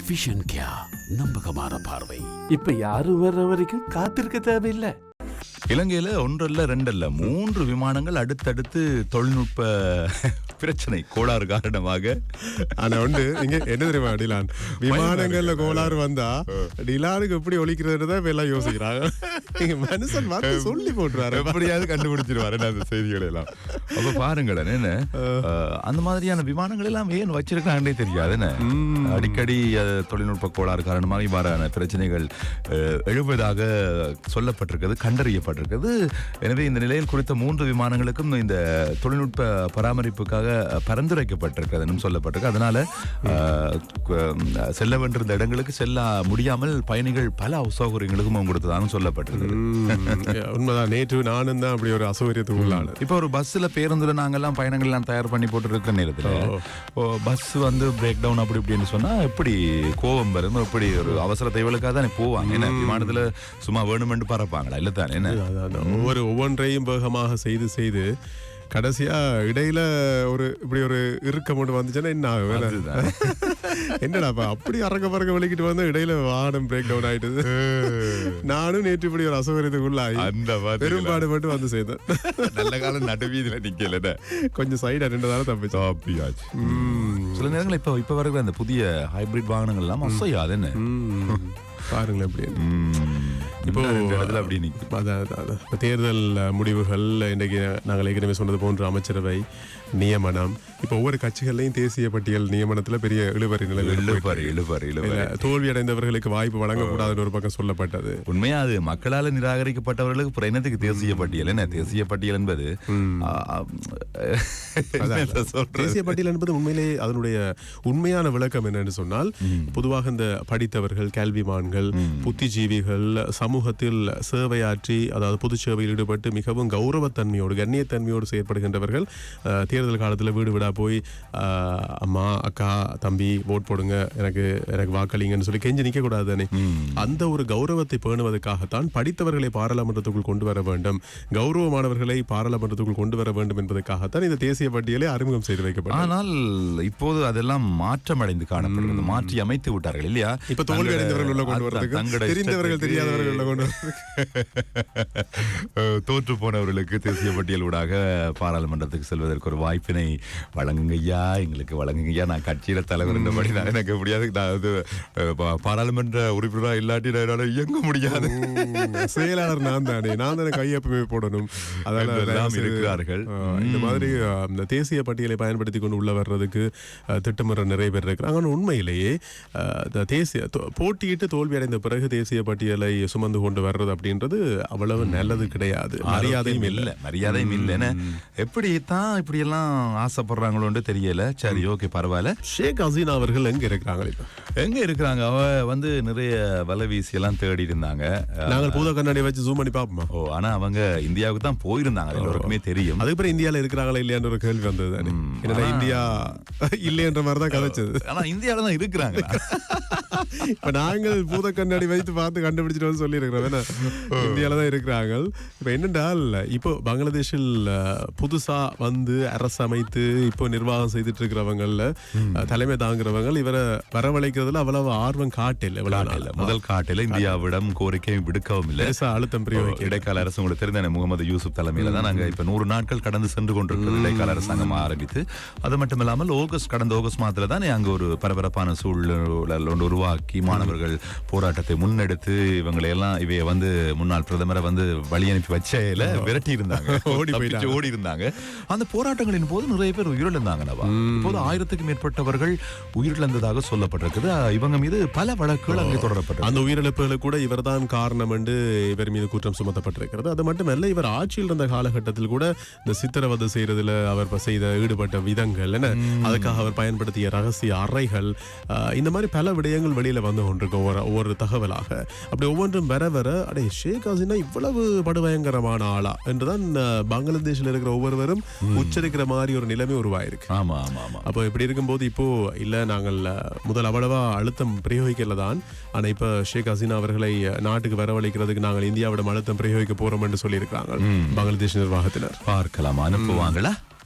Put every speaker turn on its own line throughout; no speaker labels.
Vision கியா, நம்பகமான பார்வை.
இப்ப யாரும் வர்ற வரைக்கும் காத்திருக்க தேவையில்லை.
இலங்கையில ஒன்றல்ல ரெண்டல்ல 3 விமானங்கள் அடுத்தடுத்து தொழில்நுட்ப பிரச்சனை கோளாறு காரணமாக.
ஆனா உண்டு இங்க என்ன தெரியுமா டிலான், விமானங்கள்ல கோளாறு வந்தா டிலானுக்கு எப்படி ஒழிக்கிறதுதான் இப்ப எல்லாம் யோசிக்கிறாங்க. மனுஷன் வந்து சொல்லி போட்டுருவாரு,
எப்படியாவது கண்டுபிடிச்சிருவாரு அந்த செய்திகளை எல்லாம். அப்ப பாருங்களேன், என்ன அந்த மாதிரியான விமானங்கள் எல்லாம் ஏன் வச்சிருக்காங்கன்னே தெரியாது. என்ன அடிக்கடி தொழில்நுட்ப கோளாறு காரணமாக இவ்வாறான பிரச்சனைகள் எழுவதாக சொல்லப்பட்டிருக்கிறது, கண்டறியப்பட்டிருக்கிறது. எனவே இந்த நிலையில் குறித்த 3 விமானங்களுக்கும் இந்த தொழில்நுட்ப பராமரிப்புக்காக பரிந்துரைக்கப்பட்டிருக்கிறது சொல்லப்பட்டிருக்கு. அதனால செல்ல வேண்டியிருந்த இடங்களுக்கு செல்ல முடியாமல் பயணிகள் பல அசௌகரியங்களுக்கும் கொடுத்ததாகவும் சொல்லப்பட்டிருக்கு.
உண்மைதான். நேற்று நானும் தான் அப்படி ஒரு அசௌகரியத்துக்கு உள்ளான.
இப்போ ஒரு பஸ்ல பேருந்துல நாங்கெல்லாம் பயணங்கள் எல்லாம் தயார் பண்ணி போட்டு இருக்கிற நேரத்தில் பஸ் வந்து பிரேக் டவுன் அப்படி இப்படின்னு சொன்னா எப்படி கோபம் வரும், எப்படி ஒரு அவசர தேவைகளுக்காக தானே போவாங்க. என்ன விமானத்துல சும்மா வேணுமென்று பறப்பாங்களா? இல்ல தானே. என்ன
ஒவ்வொன்றையும் வேகமாக செய்து கடைசியா இடையில இப்படி ஒரு இறுக்கம் ஒன்று வந்துச்சுன்னா என்ன ஆகும்? என்னடாப்பா அப்படி பறக்க வலிக்கிட்டு வந்து இடையில வாகனம் பிரேக் டவுன் ஆயிட்டுது. நானும் நேற்று இப்படி ஒரு அசௌகரியத்துக்குள்ளாகி அந்த பெரும்பாடு மட்டும் வந்து செய்தேன்.
நல்ல காலம் நடுவீதியில நிக்கல,
கொஞ்சம் சைடா 2 தானே தப்பிச்சு.
சில நேரங்கள் இப்ப வருகிற அந்த புதிய ஹைபிரிட் வாகனங்கள் எல்லாம் அசையாது. என்ன
பாருங்களேன் எப்படி
இப்போ அப்படி நிற்கும்.
தேர்தல் முடிவுகள் இன்றைக்கு நாங்கள் ஏற்கனவே சொன்னது போன்ற அமைச்சரவை நியமனம், இப்போ ஒவ்வொரு கட்சிகள்லையும் தேசிய பட்டியல் நியமனத்துல பெரிய இழுபறி தோல்வி அடைந்தவர்களுக்கு வாய்ப்பு வழங்கக்கூடாதுன்னு ஒரு பக்கம் சொல்லப்பட்டது.
உண்மையா அது மக்களால் நிராகரிக்கப்பட்டவர்களுக்கு பிரயணத்துக்கு தேசிய பட்டியல். என்ன தேசிய பட்டியல் என்பது
தேசிய பட்டியல் என்பது உண்மையிலே அதனுடைய உண்மையான விளக்கம் என்னன்னு சொன்னால், பொதுவாக இந்த படித்தவர்கள், கல்விமான்கள், புத்திஜீவிகள், சமூகத்தில் சேவையாற்றி அதாவது பொது சேவையில் ஈடுபட்டு மிகவும் கௌரவத்தன்மையோடு கண்ணியத்தன்மையோடு செயற்படுகின்றவர்கள் தேர்தல் காலத்தில் வீடு வீடா போய் அம்மா அக்கா தம்பி ஓட் போடுங்க, எனக்கு வாக்களிங்கன்னு சொல்லி கெஞ்சி நிற்க கூடாது தானே. அந்த ஒரு கௌரவத்தை பேணுவதற்காகத்தான் படித்தவர்களை பாராளுமன்றத்துக்குள் கொண்டு வர வேண்டும், கௌரவமானவர்களை பாராளுமன்றத்துக்குள் கொண்டு வர வேண்டும் என்பதற்காகத்தான் இந்த தேசிய பட்டியலை அறிமுகம் செய்து வைக்கப்படும்.
ஆனால் இப்போது அதெல்லாம் மாற்றம் அடைந்து காணப்படுகிறது, மாற்றி அமைத்து விட்டார்கள் இல்லையா?
இப்ப தோல்வி அடைந்தவர்கள் உள்ள கொண்டு வரதுக்கு, தெரிந்தவர்கள் தெரியாதவர்கள் உள்ள கொண்டு
தோற்று போனவர்களுக்கு தேசிய பட்டியல் ஊடாக பாராளுமன்றத்துக்கு செல்வதற்கு ஒரு வாய்ப்பினை வழங்குங்கய்யா, எங்களுக்கு வழங்குங்கய்யா. நான் கட்சியில தலைவர் என்றபடி நான் எனக்கு முடியாது, நான் பாராளுமன்ற உறுப்பினராக இல்லாட்டி என்னால இயங்க முடியாது,
செயலாளர் நான் தானே கையொப்பமே போடணும், அதெல்லாம் இருக்கிறார்கள். இந்த மாதிரி இந்த தேசிய பட்டியலை பயன்படுத்தி கொண்டு உள்ள வர்றதுக்கு திட்டமிட நிறைய பேர் இருக்கிறாங்க. ஆனால் உண்மையிலேயே தேசிய போட்டியிட்டு தோல்வி அடைந்த பிறகு தேசிய பட்டியலை சுமந்து கொண்டு வர்றது அப்படின்றது அவ்வளவு நல்லது கிடையாது, மரியாதையும் இல்லை. எப்படித்தான் இப்படி எல்லாம் ஆசைப்படுறாங்களோன்னு தெரியல. சரி, ஓகே, பரவாயில்ல. ஷேக் ஹசீனா அவர்கள் எங்க இருக்கிறாங்க?
எங்க இருக்கிறாங்க? அவ வந்து நிறைய வலை வீசி எல்லாம் தேடி இருந்தாங்க.
நாங்கள் பூத கண்ணாடி வச்சு ஜூம் பண்ணி பாப்போமா?
ஆனா அவங்க இந்தியாவுக்கு தான் போயிருந்தாங்க, எல்லாருக்குமே தெரியும்.
அதுக்கப்புறம் இந்தியால இருக்கிறாங்களா இல்லையான்னு ஒரு கேள்வி வந்தது தானே. என்னடா இந்தியா இல்லையன்ற மாதிரிதான் கதைச்சது.
ஆனா இந்தியாவில தான் இருக்கிறாங்க.
இப்ப நாங்கள் பூத கண்ணாடி வைத்து பார்த்து கண்டுபிடிச்சிட்டு வந்து சொல்லி இருக்கிறோம், இந்தியால தான் இருக்கிறாங்க. இப்ப என்னென்றால், இப்போ பங்களாதேஷில் புதுசா வந்து அரசு அமைத்து இப்போ நிர்வாகம் செய்துட்டு இருக்கிறவங்கல்ல தலைமை தாங்குறவங்க இவரை வரவழைக்கிறதுல அவ்வளவு ஆர்வம் காட்டல.
முதல் காட்டில இந்தியாவிடம் கோரிக்கை விடுக்கவும் இல்லை,
அழுத்தம் பிரயோகிக்க.
இடைக்கால அரசு உங்களுக்கு தெரிந்த முகமது யூசுப் தலைமையில தான் நாங்க இப்ப 100 நாட்கள் கடந்து சென்று கொண்டிருக்கிறது இடைக்கால அரசாங்கம் ஆரம்பித்து. அது மட்டும் இல்லாமல் கடந்த ஆகஸ்ட் மாதத்துல தான் அங்க ஒரு பரபரப்பான சூழல் ஒன்று உருவாக்கி மாணவர்கள் போராட்டத்தை முன்னெடுத்து இவைய வந்து முன்னாள் பிரதமரை வந்து வழி அனுப்பி வச்சையில விரட்டி இருந்தாங்க, ஓடி இருந்தாங்க. அந்த போராட்டங்களின் போது நிறைய பேர் உயிரிழந்தாங்க. இப்போது 1000க்கும் மேற்பட்டவர்கள் உயிரிழந்ததாக சொல்லப்பட்டிருக்குது. இவங்க மீது பல வழக்குகள் அங்கே தொடரப்பட்டது.
அந்த உயிரிழப்புகளுக்கு கூட இவர்தான் காரணம் என்று இவர் மீது குற்றம் சுமத்தப்பட்டிருக்கிறது. அது மட்டுமல்ல, இவர் ஆட்சியில் இருந்த காலகட்டத்தில் கூட இந்த சித்திரவதை செய்யறதுல அவர் ஈடுபட்ட விதங்கள் என்ன, அதுக்காக அவர் பயன்படுத்திய ரகசிய அறைகள், இந்த மாதிரி பல விடயங்கள் வெளியில வந்து கொண்டிருக்கும் ஒவ்வொரு தகவலாக. அப்படி ஒவ்வொன்றும் வர அடே ஷேக் ஹசீனா இவ்வளவு படுபயங்கரமான ஆளா என்றுதான் பங்களாதேஷில் இருக்கிற ஒவ்வொருவரும் உச்சரிக்கிற மாதிரி ஒரு நிலைமை உருவாயிருக்கு.
ஆமா ஆமா ஆமா.
அப்போ இப்படி இருக்கும்போது இப்போ இல்ல நாங்கள் முதல் அவ்வளவா அழுத்தம் பிரயோகிக்கல தான், ஆனா இப்ப ஷேக் ஹசீனா அவர்களை நாட்டுக்கு வரவழைக்கிறதுக்கு நாங்கள் இந்தியாவிடம் அழுத்தம் பிரயோகிக்க போறோம் என்று சொல்லி இருக்காங்க பங்களாதேஷ் நிர்வாகத்தினர்.
பார்க்கலாம், அனுப்புவாங்களா?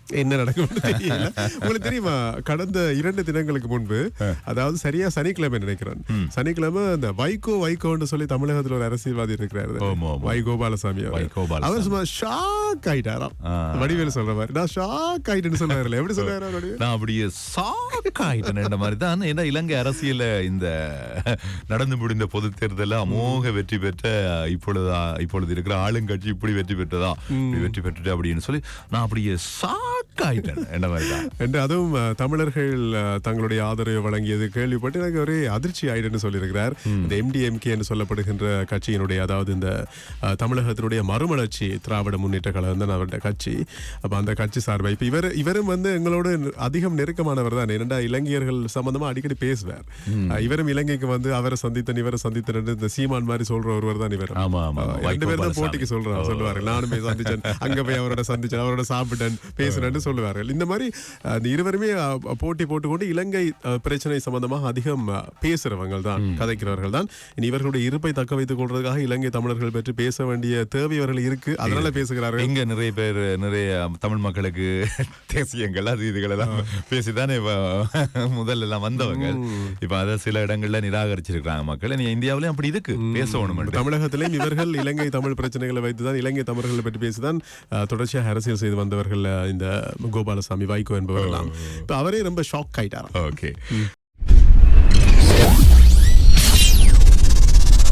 என்ன நடக்கும் தெரியல. உங்களுக்கு தெரியுமா, கடந்த 2 தினங்களுக்கு முன்பு, அதாவது சரியா சனிக்கிழமை நினைக்கிறேன், சனிக்கிழமை இந்த வைகோன்னு சொல்லி தமிழகத்தில் ஒரு அரசியல்வாதி இருக்கிறாரு, வை கோபாலசாமி. அவர் சும்மா ஷாக் ஆயிட்டாராம். வடிவேலு சொல்ற மாதிரி நான் ஷாக் ஆயிட்டேன்னு சொல்றாரு. எப்படி சொல்றாரு?
நான் அப்படியே ஷாக் ஆயிட்டேன் மாதிரி தான். ஏன்னா இலங்கை அரசியல இந்த நடந்து முடிந்த பொது தேர்தலில் அமோக வெற்றி பெற்ற இப்பொழுது இருக்கிற ஆளுங்கட்சி இப்படி வெற்றி பெற்றதா, வெற்றி பெற்றுட்டு அப்படின்னு சொல்லி நான் அப்படியே ஷாக் ஆயிட்டேன் என்ன மாதிரிதான்.
என்று அதுவும் தமிழர்கள் தங்களுடைய ஆதரவை வழங்கியது கேள்விப்பட்டு எனக்கு ஒரே அதிர்ச்சி ஆயிடுன்னு சொல்லியிருக்கிறார். இந்த MDMK என்று சொல்லப்படுகின்ற கட்சியினுடைய, அதாவது இந்த தமிழகத்தினுடைய மறுமலர்ச்சி திராவிட முன்னேற்ற கழகம் தான் அவருடைய கட்சி. அப்ப அந்த கட்சி சார்பாக இப்ப இவரும் வந்து எங்களோட அதிகம் நெருக்கமானவர் தான். இரண்டா இலங்கையர்கள் சம்பந்தமா அடிக்கடி பேசுவார். இவரும் இலங்கைக்கு வந்து அவரை சந்தித்தன் இவரை சந்தித்தன் இந்த சீமான் மாதிரி சொல்ற ஒருவர் தான் இவர். 2 பேர் தான் போட்டிக்கு சொல்லுவாரு. நானுமே சந்திச்சேன், அங்க போய் அவரோட சந்திச்சேன், அவரோட சாப்பிட்டேன், பேசுனேன்னு சொல்லுவார்கள். இந்த மாதிரி இருவருமே போட்டி போட்டுக்கொண்டு இலங்கை பிரச்சனை சம்பந்தமாக அதிகம் பேசுறவங்க தான், கதைக்கிறவர்கள் தான். இவர்களுடைய இருப்பை தக்க வைத்துக் கொள்றதுக்காக இலங்கை தமிழர்கள் பற்றி பேச வேண்டிய தேவை அவர்கள் இருக்கு, அதனால பேசுகிறார்கள்.
இங்க நிறைய பேர் நிறைய தமிழ் மக்களுக்கு தேசியங்கள் அது இதுகள் எல்லாம் பேசிதானே முதல்ல எல்லாம் வந்தவங்க. இப்ப அதை சில இடங்கள்ல நிராகரிச்சிருக்காங்க மக்கள். இந்தியாவிலும் அப்படி இருக்கு, பேசணும்.
தமிழகத்திலேயும் இவர்கள் இலங்கை தமிழ் பிரச்சனைகளை வைத்துதான், இலங்கை தமிழர்களை பற்றி பேசிதான் தொடர்ச்சியாக அரசியல் செய்து வந்தவர்கள் இந்த கோபாலசாமி வைகோ என்பவர்கள். இப்ப அவரே ரொம்ப ஷாக் ஆயிட்டாராம்.
ஓகே.